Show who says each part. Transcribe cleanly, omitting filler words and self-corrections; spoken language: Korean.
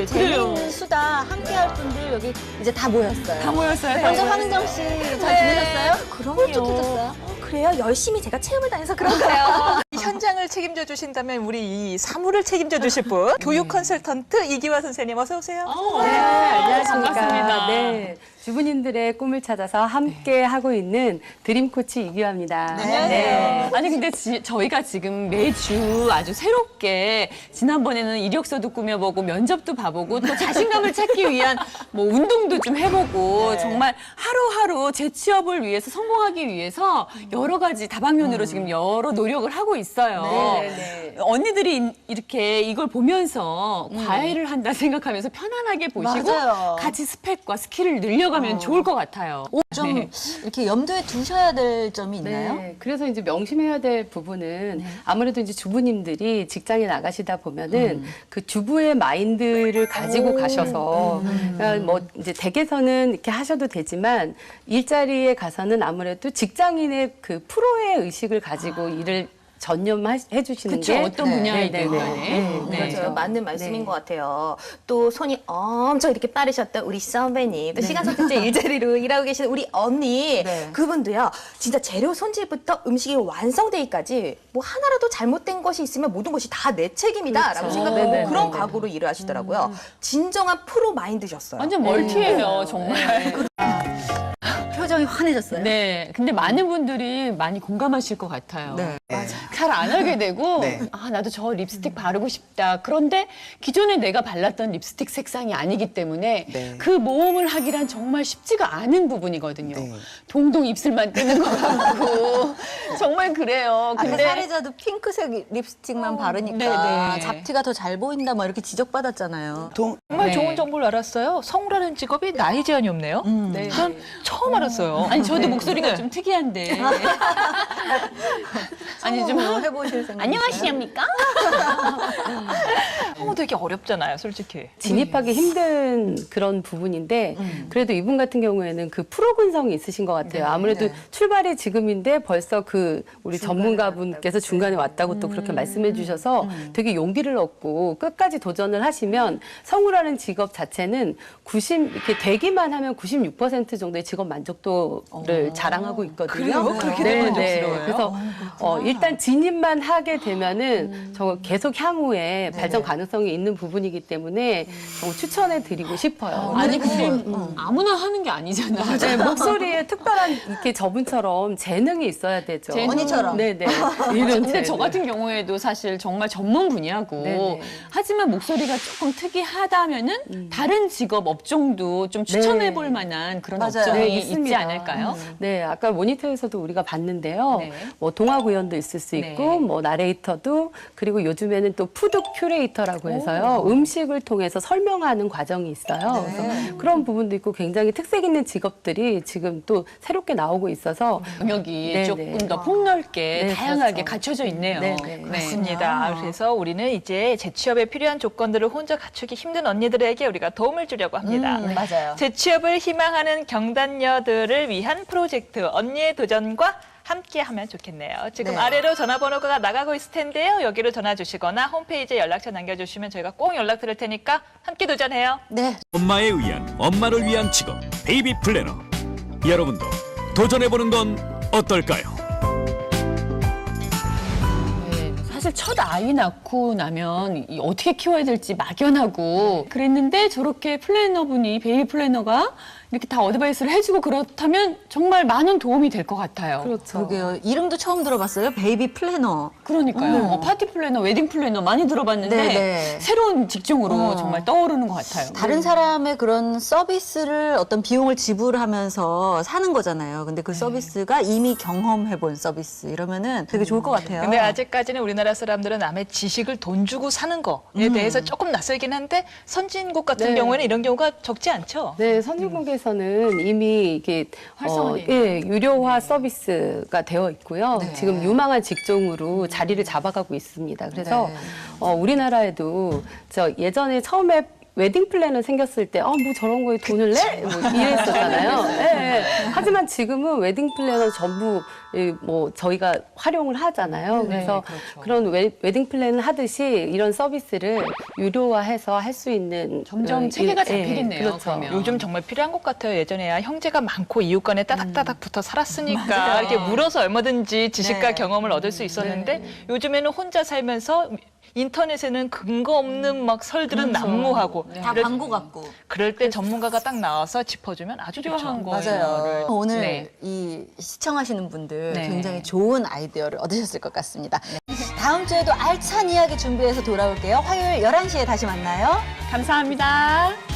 Speaker 1: 분들, 재미있는 수다 함께할 분들 여기 이제 다 모였어요.
Speaker 2: 다 모였어요.
Speaker 1: 먼저 황은정 씨 잘 지내셨어요?
Speaker 3: 그럼요.
Speaker 1: 홀쭉해졌어요?
Speaker 3: 그래요? 열심히 제가 체험을 다녀서 그런가요?
Speaker 2: 이 현장을 책임져 주신다면 우리 이 사무를 책임져 주실 분 교육 컨설턴트 이기화 선생님 어서 오세요.
Speaker 4: 네, 안녕하십니까.
Speaker 2: 반갑습니다.
Speaker 4: 네, 주부님들의 꿈을 찾아서 함께 하고 있는 드림 코치 이기화입니다.
Speaker 2: 네.
Speaker 5: 아니 근데 저희가 지금 매주 아주 새롭게 지난번에는 이력서도 꾸며보고 면접도 봐보고 또 자신감을 찾기 위한 뭐 운동도 좀 해보고 정말 하루하루 제 취업을 위해서 성공하기 위해서 여러 가지 다방면으로 지금 여러 노력을 하고 있어요. 언니들이 이렇게 이걸 보면서 과외를 한다 생각하면서 편안하게 보시고
Speaker 1: 맞아요.
Speaker 5: 같이 스펙과 스킬을 늘려가면 좋을 것 같아요.
Speaker 1: 좀 이렇게 염두에 두셔야 될 점이 있나요?
Speaker 4: 네, 그래서 이제 명심해야 될 부분은 아무래도 이제 주부님들이 직장에 나가시다 보면은 그 주부의 마인드를 가지고 가셔서 그러니까 뭐 이제 댁에서는 이렇게 하셔도 되지만 일자리에 가서는 아무래도 직장인의 그 프로의 의식을 가지고 일을 전념해 주시는
Speaker 5: 그쵸,
Speaker 4: 게
Speaker 5: 어떤 분야이든 간에.
Speaker 3: 그렇죠. 맞는 말씀인 것 같아요. 또 손이 엄청 이렇게 빠르셨던 우리 선배님, 또 시간 선택제 일자리로 일하고 계시는 우리 언니, 그분도요. 진짜 재료 손질부터 음식이 완성되기까지 뭐 하나라도 잘못된 것이 있으면 모든 것이 다 내 책임이다라고 생각하고 그런 각오로 일을 하시더라고요. 진정한 프로 마인드셨어요.
Speaker 5: 완전 멀티예요, 정말.
Speaker 1: 표정이 환해졌어요.
Speaker 5: 네. 근데 많은 분들이 많이 공감하실 것 같아요. 잘 안 하게 되고, 아, 나도 저 립스틱 바르고 싶다. 그런데 기존에 내가 발랐던 립스틱 색상이 아니기 때문에 그 모험을 하기란 정말 쉽지가 않은 부분이거든요. 동동 입술만 뜨는 것 같고. 정말 그래요.
Speaker 1: 근데
Speaker 5: 근데
Speaker 1: 사례자도 핑크색 립스틱만 바르니까
Speaker 5: 네네.
Speaker 1: 잡티가 더 잘 보인다 뭐 이렇게 지적받았잖아요.
Speaker 2: 정말
Speaker 5: 네.
Speaker 2: 좋은 정보를 알았어요. 성우라는 직업이 나이 제한이 없네요.
Speaker 4: 네.
Speaker 2: 전 처음 알았어요.
Speaker 5: 아니, 저도 목소리가 좀 특이한데. 아니, 좀.
Speaker 1: 해보실 생각
Speaker 5: 안녕하십니까?
Speaker 2: 성우 되게 어렵잖아요, 솔직히.
Speaker 4: 진입하기 힘든 그런 부분인데 그래도 이분 같은 경우에는 그 프로 근성이 있으신 것 같아요. 아무래도 출발이 지금인데 벌써 그 우리 전문가분께서 중간에 왔다고 또 그렇게 말씀해 주셔서 되게 용기를 얻고 끝까지 도전을 하시면 성우라는 직업 자체는 이렇게 되기만 하면 96% 정도의 직업 만족도를 자랑하고 있거든요.
Speaker 2: 그래요? 그렇게 되면 만족스러워요?
Speaker 4: 그래서 일단 진입만 하게 되면은 저 계속 향후에 발전 가능성이 있는 부분이기 때문에 추천해 드리고 싶어요.
Speaker 5: 아니, 근데 아무나 하는 게 아니잖아요.
Speaker 4: 네, 목소리에 특별한 이렇게 저분처럼 재능이 있어야 되죠.
Speaker 1: 언니처럼.
Speaker 4: 네네. 이런
Speaker 5: 근데 저
Speaker 4: 재능.
Speaker 5: 같은 경우에도 사실 정말 전문 분야고
Speaker 4: 네네.
Speaker 5: 하지만 목소리가 조금 특이하다면은 다른 직업 업종도 좀 추천해 볼 만한 그런
Speaker 1: 맞아요.
Speaker 5: 업종이
Speaker 4: 네,
Speaker 5: 있지
Speaker 4: 있습니다.
Speaker 5: 않을까요?
Speaker 4: 네, 아까 모니터에서도 우리가 봤는데요.
Speaker 5: 네.
Speaker 4: 뭐 동화 구연도 있을 수 있고,
Speaker 5: 네.
Speaker 4: 뭐 나레이터도 그리고 요즘에는 또 푸드 큐레이터라고 해서요. 음식을 통해서 설명하는 과정이 있어요. 그래서 그런 부분도 있고 굉장히 특색 있는 직업들이 지금 또 새롭게 나오고 있어서
Speaker 5: 영역이
Speaker 4: 네네.
Speaker 5: 조금 더 폭넓게
Speaker 4: 네,
Speaker 5: 다양하게
Speaker 4: 그렇죠.
Speaker 5: 갖춰져 있네요.
Speaker 4: 네네.
Speaker 2: 맞습니다. 그래서 우리는 이제 재취업에 필요한 조건들을 혼자 갖추기 힘든 언니들에게 우리가 도움을 주려고 합니다.
Speaker 1: 맞아요.
Speaker 2: 재취업을 희망하는 경단녀들을 위한 프로젝트 언니의 도전과 함께하면 좋겠네요. 지금
Speaker 1: 네.
Speaker 2: 아래로 전화번호가 나가고 있을 텐데요. 여기로 전화 주시거나 홈페이지에 연락처 남겨주시면 저희가 꼭 연락드릴 테니까 함께 도전해요.
Speaker 1: 네.
Speaker 6: 엄마에 의한 엄마를 위한 직업 베이비 플래너 여러분도 도전해보는 건 어떨까요?
Speaker 5: 네, 사실 첫 아이 낳고 나면 어떻게 키워야 될지 막연하고 그랬는데 저렇게 플래너분이 베이비 플래너가 이렇게 다 어드바이스를 해주고 그렇다면 정말 많은 도움이 될 것 같아요.
Speaker 4: 그렇죠.
Speaker 1: 그러게요. 이름도 처음 들어봤어요. 베이비 플래너.
Speaker 5: 그러니까요. 파티 플래너, 웨딩 플래너 많이 들어봤는데
Speaker 1: 네네.
Speaker 5: 새로운 직종으로 정말 떠오르는 것 같아요.
Speaker 1: 다른 사람의 그런 서비스를 어떤 비용을 지불하면서 사는 거잖아요. 근데 그 서비스가 이미 경험해본 서비스 이러면은 되게 좋을 것 같아요.
Speaker 2: 근데 아직까지는 우리나라 사람들은 남의 지식을 돈 주고 사는 거에 대해서 조금 낯설긴 한데 선진국 같은
Speaker 4: 네.
Speaker 2: 경우에는 이런 경우가 적지 않죠.
Speaker 4: 네, 선진국에서는 이미 이게
Speaker 5: 활성화돼
Speaker 4: 예, 유료화 서비스가 되어 있고요. 지금 유망한 직종으로 자리를 잡아가고 있습니다. 그래서 우리나라에도 저 예전에 처음에 웨딩 플래너 생겼을 때, 뭐 저런 거에 돈을 내? 뭐 이랬었잖아요. 예. 하지만 지금은 웨딩 플래너 전부 뭐 저희가 활용을 하잖아요. 그래서 그런 웨딩 플래너 하듯이 이런 서비스를 유료화해서 할 수 있는
Speaker 5: 점점 체계가 잡히겠네요.
Speaker 4: 그렇죠.
Speaker 5: 그러면.
Speaker 2: 요즘 정말 필요한 것 같아요. 예전에야 형제가 많고 이웃 간에 따닥따닥 붙어 살았으니까 이렇게 물어서 얼마든지 지식과
Speaker 1: 네.
Speaker 2: 경험을 얻을 수 있었는데 요즘에는 혼자 살면서 인터넷에는 근거 없는 막 설들은 난무하고
Speaker 1: 다 광고 같고.
Speaker 2: 그럴 때 전문가가 딱 나와서 짚어주면 아주 좋죠.
Speaker 1: 맞아요. 오늘
Speaker 5: 네.
Speaker 1: 이 시청하시는 분들
Speaker 5: 네.
Speaker 1: 굉장히 좋은 아이디어를 얻으셨을 것 같습니다. 다음 주에도 알찬 이야기 준비해서 돌아올게요. 화요일 11시에 다시 만나요.
Speaker 5: 감사합니다.